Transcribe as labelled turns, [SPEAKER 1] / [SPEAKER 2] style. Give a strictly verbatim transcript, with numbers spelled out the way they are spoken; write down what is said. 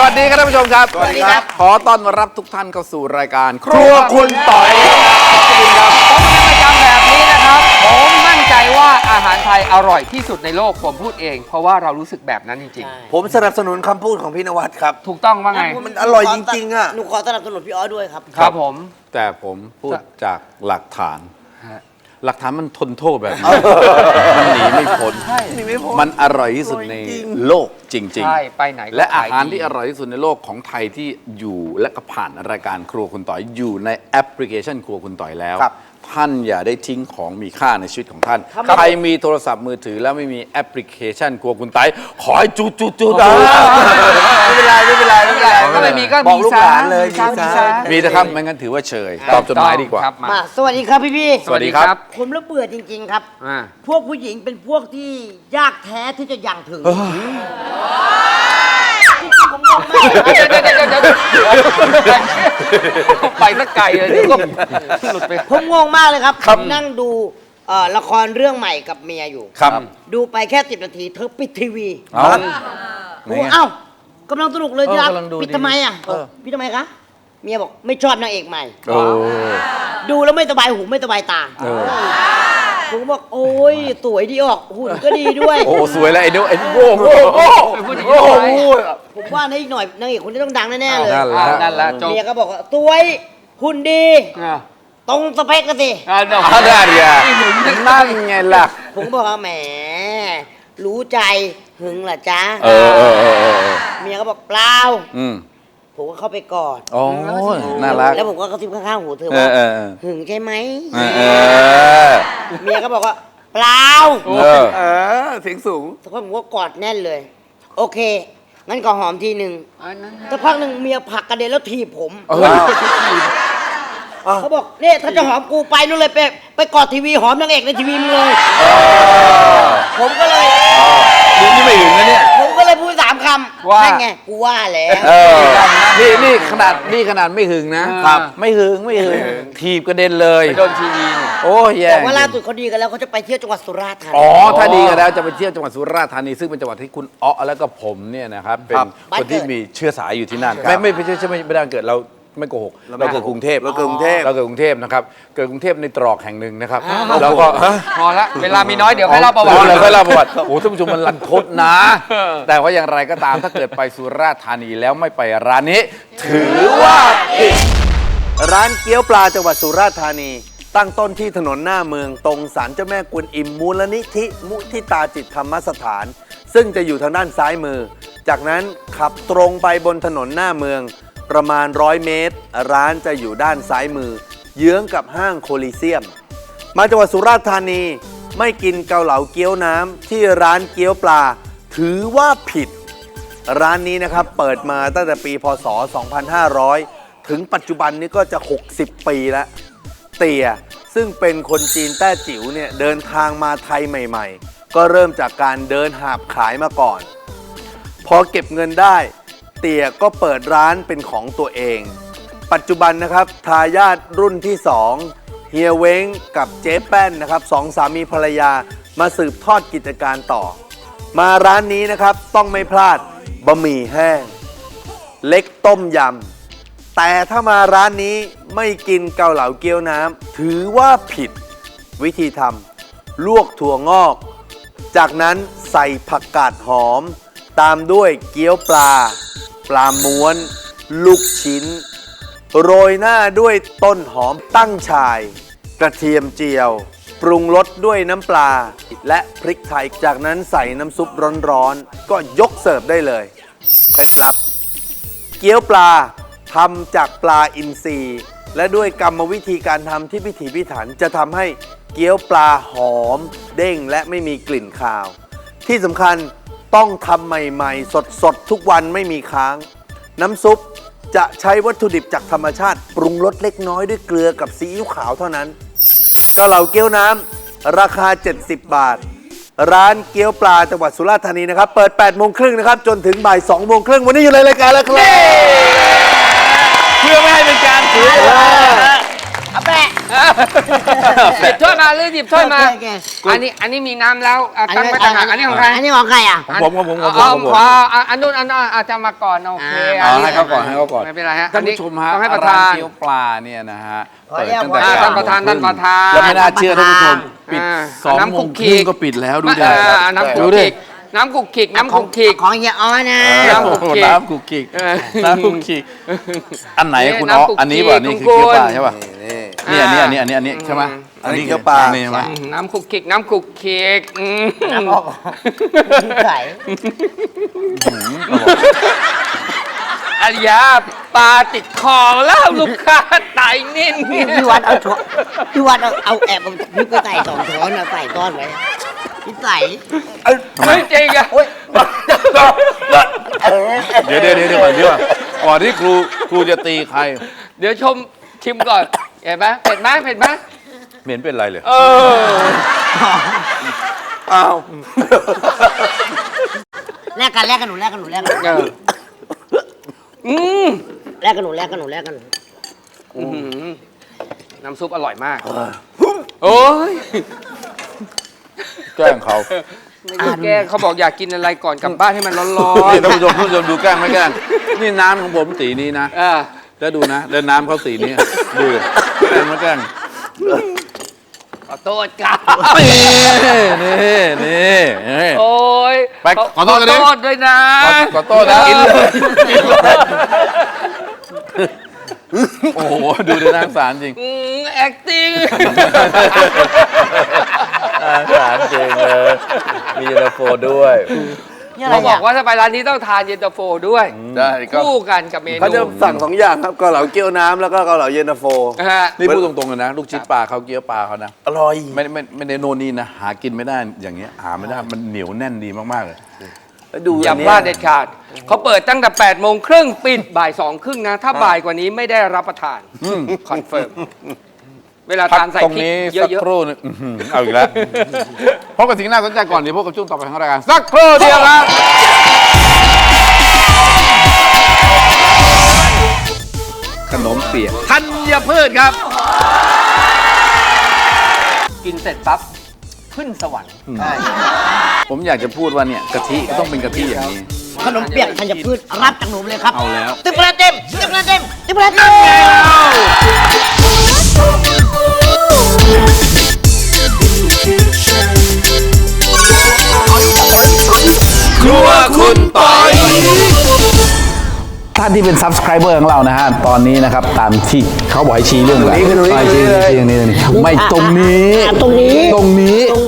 [SPEAKER 1] วัสดีครับท่านผู้ชมครับสวัสดีครับขอต้อนรับทุกท่านเข้าสู่รายการครัวคุณต่อยขอบคุณครับผมเป็นประจำแบบนี้นะครับผมมั่นใจว่าอาหารไทยอร่อยที่สุดในโลกผมพูดเองเพราะว่าเรารู้สึกแบบนั้นจริง
[SPEAKER 2] ๆผมสนับสนุนคำพูดของพี่นวัดครับ
[SPEAKER 1] ถูกต้องว่าไง
[SPEAKER 2] มันอร่อยจริงๆอ่ะ
[SPEAKER 3] หนูขอสนับสนุนพี่ออสด้วยครับ
[SPEAKER 1] ครับผมแต่ผมพูดจากหลักฐานหลักฐานมันทนโทษแบบนี้มันหนีไม่พ้นมันอร่อยที่สุดในโลกจริงๆใช่ไปไหนและอาหารที่อร่อยที่สุดในโลกของไทยที่อยู่และก็ผ่านรายการครัวคุณต่อยอยู่ในแอปพลิเคชันครัวคุณต่อยแล้วท่านอย่าได้ทิ้งของมีค่าในชีวิตของท่านใครมีโทรศัพท์มือถือแล้วไม่มีแอปพลิเคชันครัวคุณต่อยขอให้จุดจุดจุดไม่
[SPEAKER 2] เป็นไรไม่เป็นไรไม่เป็นไร
[SPEAKER 1] ก็ไม่มีก็
[SPEAKER 2] บอกลูกหลานเลย
[SPEAKER 1] มีนะครับไม่งั้นถือว่าเฉยตอบจดหมายดีกว่า
[SPEAKER 3] มาสวัสดีครับพี่พี่
[SPEAKER 1] สวัสดีครับ
[SPEAKER 3] ผมระเบื่อจริงๆครับพวกผู้หญิงเป็นพวกที่ยากแท้ที่จะยังถึงผมงงมาก
[SPEAKER 1] ไปสักไกลเลยก็หลุดไป
[SPEAKER 3] ผมงงมากเลยครับนั่งดูละครเรื่องใหม่กับเมียอยู่
[SPEAKER 1] ครับ
[SPEAKER 3] ดูไปแค่สิบนาทีเธอปิดทีวีเอ้าเอ้ากำลังสนุกเลยที่รักปิดทำไมอ่ะปิดทำไมคะเมียบอกไม่ชอบนางเอกใหม่ดูแล้วไม่สบายหูไม่สบายตาผมบอกโอ้ยสวยดีออกหุ่นก็ดีด้วย
[SPEAKER 1] โอ้สวยแล้วไอ้เด้อไอ้โง่โง่โง่
[SPEAKER 3] ผมว่าในอีกหน่อยนางเอกคนนี้ต้องดังแน่ๆเลย
[SPEAKER 1] นั่นแหละนั่นแหละ
[SPEAKER 3] เมียก็บอกว่าสวยหุ่นดีตรงสเปคกันสิ
[SPEAKER 1] อ่าได้เดียนั่นไงล่ะ
[SPEAKER 3] ผมบอกว่าแหมรู้ใจหึงเหรอจ๊ะ
[SPEAKER 1] เออเออเออ
[SPEAKER 3] เมียก็บอกเปล่าผมก็เข้าไปกอด
[SPEAKER 1] โอ้น่ารัก
[SPEAKER 3] แล้วผมก็กระซิบข้างๆหูเธอว่าหึงใช่ไหมเมียก็บอกว่าเปล่า
[SPEAKER 1] เออเสียงสูง
[SPEAKER 3] สักพักผมก็กอดแน่นเลยโอเคงั้นก็หอมทีหนึ่งสักพักหนึ่งเมียผลักกระเด็นแล้วถีบผมเขาบอกเนี่ยถ้าจะหอมกูไปนู่นเลยไปไปกอดทีวีหอมนางเอกในทีวีมึงเลยผมก็เลย
[SPEAKER 1] นี่ไม่ถึงนะเนี่ย
[SPEAKER 3] ผมก็เลยพูดสามคำว่าไงกูว่าแล้ว
[SPEAKER 1] นี่นี่ขนาดนี่ขนาดไม่หึงนะครับไม่หึงไม่หึงถีบกระเด็นเลยโดนทีวีโอ้ย
[SPEAKER 3] แต่ว่าล่าสุดเขาดีกันแล้วเขาจะไปเที่ยวจังหวัดสุราษฎร์ธานี
[SPEAKER 1] อ๋อถ้าดีกันแล้วจะไปเที่ยวจังหวัดสุราษฎร์ธานีซึ่งเป็นจังหวัดที่คุณอ๊อแล้วก็ผมเนี่ยนะครับเป็นคนที่มีเชื้อสายอยู่ที่นั่นไม่ไม่ไม่ใช่ไม่ไม่ได้เกิดเราไม่โกหกเราเกิดกรุงเทพ
[SPEAKER 2] เราเกิดกรุงเทพ
[SPEAKER 1] เราเกิดกรุงเทพนะครับเกิดกรุงเทพในตรอกแห่งหนึ่งนะครับแล้วก็
[SPEAKER 4] พอละเวลามีน้อยเดี๋ยวให้เล่าประวัติ
[SPEAKER 1] เลยให้เล่าประวัติโอ้ท่านผู้ชมมันรันทดนะแต่ว่าอย่างไรก็ตามถ้าเกิดไปสุราษฎร์ธานีแล้วไม่ไปร้านนี้ถือว่าผิด
[SPEAKER 2] ร้านเกี๊ยวปลาจังหวัดสุราษฎร์ธานีตั้งต้นที่ถนนหน้าเมืองตรงศาลเจ้าแม่กวนอิมมูลนิธิมุทิตาจิตธรรมสถานซึ่งจะอยู่ทางด้านซ้ายมือจากนั้นขับตรงไปบนถนนหน้าเมืองประมาณร้อยเมตรร้านจะอยู่ด้านซ้ายมือเยื้องกับห้างโคลิเซียมมาจังหวัดสุราษฎร์ธานีไม่กินเกาเหลาเกี๊ยวน้ำที่ร้านเกี๊ยวปลาถือว่าผิดร้านนี้นะครับเปิดมาตั้งแต่ปีพ.ศ. สองพันห้าร้อยถึงปัจจุบันนี้ก็จะหกสิบปีแล้วเตี่ยซึ่งเป็นคนจีนแต้จิ๋วเนี่ยเดินทางมาไทยใหม่ๆก็เริ่มจากการเดินหาบขายมาก่อนพอเก็บเงินได้เตี่ยก็เปิดร้านเป็นของตัวเองปัจจุบันนะครับทายาทรุ่นที่สองเฮียเว้งกับเจ๊แป้นนะครับสองสามีภรรยามาสืบทอดกิจการต่อมาร้านนี้นะครับต้องไม่พลาดบะหมี่แห้งเล็กต้มยำแต่ถ้ามาร้านนี้ไม่กินเกาเหลาเกี๊ยวน้ำถือว่าผิดวิธีทำลวกถั่วงอกจากนั้นใส่ผักกาดหอมตามด้วยเกี๊ยวปลาปลาม้วนลูกชิ้นโรยหน้าด้วยต้นหอมตั้งฉ่ายกระเทียมเจียวปรุงรสด้วยน้ำปลาและพริกไทยจากนั้นใส่น้ำซุปร้อนๆก็ยกเสิร์ฟได้เลยเคล็ดลับเกี๊ยวปลาทำจากปลาอินทรีและด้วยกรรมวิธีการทำที่พิถีพิถันจะทำให้เกี๊ยวปลาหอมเด้งและไม่มีกลิ่นคาวที่สำคัญต้องทำใหม่ๆสดๆทุกวันไม่มีค้างน้ำซุปจะใช้วัตถุดิบจากธรรมชาติปรุงรสเล็กน้อยด้วยเกลือกับซีอิ๊วขาวเท่านั้นเกาเหลาเกี๊ยวน้ำราคาเจ็ดสิบบาทร้านเกี๊ยวปลาจังหวัดสุราษฎร์ธานีนะครับเปิดแปดโมงครึ่งนะครับจนถึงบ่ายสองโมงครึ่งวันนี้อยู่ในรายการแล้วครับเพื่อไม่ให้เป็นการเสียเวลา
[SPEAKER 3] อาแปะ
[SPEAKER 4] หยิบถ้วยมาหรือหยิบถ้วยมา
[SPEAKER 3] โอเคโอเค
[SPEAKER 4] อันนี้อันนี้มีน้ำแล้วอ่ะตั้งไว้ต่างหากอันนี้ของใคร
[SPEAKER 3] อันนี้ของใครอ่ะ
[SPEAKER 1] ของผมของผมของผม
[SPEAKER 4] เอา
[SPEAKER 1] ของผม
[SPEAKER 4] ขออ่ะอันนู้นอันนู้นอาจจะมาก่อนโอเค
[SPEAKER 3] อ่า
[SPEAKER 1] เอาให้เขาก่อนให้เขาก่อน
[SPEAKER 4] ไม่เป็นไรฮะ
[SPEAKER 1] ท่านผู้ชมฮะ
[SPEAKER 4] ต้องให้ประ
[SPEAKER 1] ร้า
[SPEAKER 4] ธาน น
[SPEAKER 1] เกี๊ยวปลาเนี่ยนะฮะ
[SPEAKER 3] ขอ
[SPEAKER 1] เปิด
[SPEAKER 3] เรียก
[SPEAKER 1] ตั้งแต่
[SPEAKER 3] ว่า
[SPEAKER 1] เก้
[SPEAKER 4] ท่านประธาน
[SPEAKER 1] โมง
[SPEAKER 4] ท่านประธาน
[SPEAKER 1] แล้วไม่น่าเชื่อท่านผู้ชมปิด
[SPEAKER 4] อ่า
[SPEAKER 1] สอง
[SPEAKER 4] น้ำ
[SPEAKER 1] โม
[SPEAKER 4] คุ
[SPEAKER 1] ง
[SPEAKER 4] ก
[SPEAKER 1] ค
[SPEAKER 4] คิ
[SPEAKER 1] รึ่ง
[SPEAKER 4] ก
[SPEAKER 1] ก็ปิดแล้วดูดิ
[SPEAKER 4] อ่าน้ำคุ
[SPEAKER 1] ดู
[SPEAKER 4] ก
[SPEAKER 1] ดิ
[SPEAKER 4] คิกน้ำคุกคิกน้ำคุกคิก
[SPEAKER 3] ของเฮียอ้อนะ
[SPEAKER 4] น้ำคุกคิก
[SPEAKER 1] น้ำคุกคิก
[SPEAKER 4] เออ
[SPEAKER 1] น้ำคุกคิกอันไหน
[SPEAKER 4] นี่
[SPEAKER 1] คุณอ๋อ
[SPEAKER 4] น้ำคุกคิก
[SPEAKER 1] อันนี้ป่ะนี่คือ
[SPEAKER 4] คุณ
[SPEAKER 1] เกี๊ยวปลาใช่ป่ะ
[SPEAKER 2] นี่
[SPEAKER 1] นี่อันนี้อันนี้อันนี้อันนี้ใช่ไหม
[SPEAKER 2] อันนี้เกี๊ยวปลา
[SPEAKER 1] นี่ใช่ไหม
[SPEAKER 4] อืมน้ำคุกคิกน้ำคุกคิกอืม
[SPEAKER 3] น้ำออกใส่
[SPEAKER 4] อริยาปลาติดคอแล้วลูกค้าไตนิ่น
[SPEAKER 3] พี่วัดเอาช้อนพี่วัดเอาเอาแอบเอาพริกไปใส่สองช้อนนะใส่ต้อนไว้พี่ใส่
[SPEAKER 4] ไม่จริงอะ
[SPEAKER 1] เดี๋ยวเดี๋ยวเดี๋ยวเดี๋ยวก่อนเดี๋ยวก่อนก่อนที่ครูครูจะตีใคร
[SPEAKER 4] เดี๋ยวชมชิมก่อนเห็นไหมเผ็ดไหมเผ็ดไหม
[SPEAKER 1] เหม็นเป็นไรเลย
[SPEAKER 4] เออ
[SPEAKER 2] อ้าว
[SPEAKER 3] แลกกันแลกกันหนูแลกกันหนูแลกกัน
[SPEAKER 4] เอออืม
[SPEAKER 3] แลกกันหนูแลกกันหนูแลกกัน
[SPEAKER 4] อื้อหือน้ำซุปอร่อยมากโอ้ย
[SPEAKER 1] แกล้งเขา
[SPEAKER 4] ไม่ได้แกล้งเขาบอกอยากกินอะไรก่อนกลับบ้านให้มันร้อน
[SPEAKER 1] นี่ท่านผู้ชมท่านผู้ชมดูแกล้งไม่แกล้งนี่น้ำของผมสีนี้นะ
[SPEAKER 4] ๆอ่า
[SPEAKER 1] แล้วดูนะแล้วน้ำเขาสีนี้ดูดิแกล้งไม่แกล้ง
[SPEAKER 4] ขอโทษครับ
[SPEAKER 1] นี่นี่นี่นี่
[SPEAKER 4] โอ้ย
[SPEAKER 1] ไปขอโทษกันดิ
[SPEAKER 4] ขอโทษด้วยนะ
[SPEAKER 1] ขอขอโทษนะ
[SPEAKER 4] กินเลย
[SPEAKER 1] โอ้โหดูดิน่าสงสารจริง
[SPEAKER 4] อืม acting
[SPEAKER 1] น่าสงสารจริงเลยมีเย็นตาโฟด้วย
[SPEAKER 3] นี่อะไร
[SPEAKER 4] เขาบอ
[SPEAKER 3] อ่ะ
[SPEAKER 4] กว่าถ้าไปร้านนี้ต้องทานเย็นตาโฟด้วย
[SPEAKER 2] ได้ก็
[SPEAKER 4] คู่กันกับเมนู
[SPEAKER 2] เขาจะสั่งสองอย่างครับเกาเหลาเกี๊ยวน้ำแล้วก็เกาเหลาเย็นตาโฟ
[SPEAKER 4] นะฮะ
[SPEAKER 1] นี่พูดตรงๆเลยนะ ลูกชิ้นปลาเขาเกี๊ยวปลาเขานะ
[SPEAKER 2] อร่อย
[SPEAKER 1] ไม่ไม่ไม่ได้โน่นนี่นะ หากินไม่ได้อย่างเงี้ยหาไม่ได้มันเหนียวแน่นดีมากๆเลย
[SPEAKER 2] แล้วดู
[SPEAKER 4] อย่า
[SPEAKER 2] อัน
[SPEAKER 4] พ
[SPEAKER 2] เนี้ย
[SPEAKER 4] ลาดเด็ดขาดเขาเปิดตั้งแต่แปดโมงครึ่งปิดบ่ายสองครึ่งนะ ถ้าบ่ายกว่านี้ไม่ได้รับประทานคอนเฟิร์มเวลา
[SPEAKER 1] พัก
[SPEAKER 4] ทานใส่
[SPEAKER 1] ตรง
[SPEAKER 4] พริก
[SPEAKER 1] นี้
[SPEAKER 4] เย
[SPEAKER 1] สัก
[SPEAKER 4] อะ
[SPEAKER 1] ครู่หนึงอื้อหือเอาอีกแล้วพบกับสิ่งน่าสนใจก่อนเดี๋ยวพบกับช่วงต่อไปของรายการสักครู่เดียวครับขนมเปียกธัญพืชครับ
[SPEAKER 4] ๆ กินเสร็จปั๊บขึ้นสวรรค์
[SPEAKER 1] ผมอยากจะพูดว่าเนี่ยกะทิก็ต้องเป็นกะทิอย่างนี้
[SPEAKER 3] ขนมเปียกธัญพืชรับจากหนูเลยครับ
[SPEAKER 1] เอาแล้ว
[SPEAKER 3] ติ๊บคะแนนเต็มติ๊บคะแนนเต็มติ๊บคะแนนเต็ม
[SPEAKER 1] ครัวคุณปอยท่านที่เป็น subscriber ของเรานะฮะ ตอนนี้นะครับ ตามที่เขาบอกให้ชี้เรื่องอะไร
[SPEAKER 2] ตรงนี้คือตรงนี้
[SPEAKER 1] ชี้ชี้ชี้ตรงนี้ตรงนี้ไม่ตรงนี้
[SPEAKER 3] อ่ะตรงนี้
[SPEAKER 1] ตรงนี้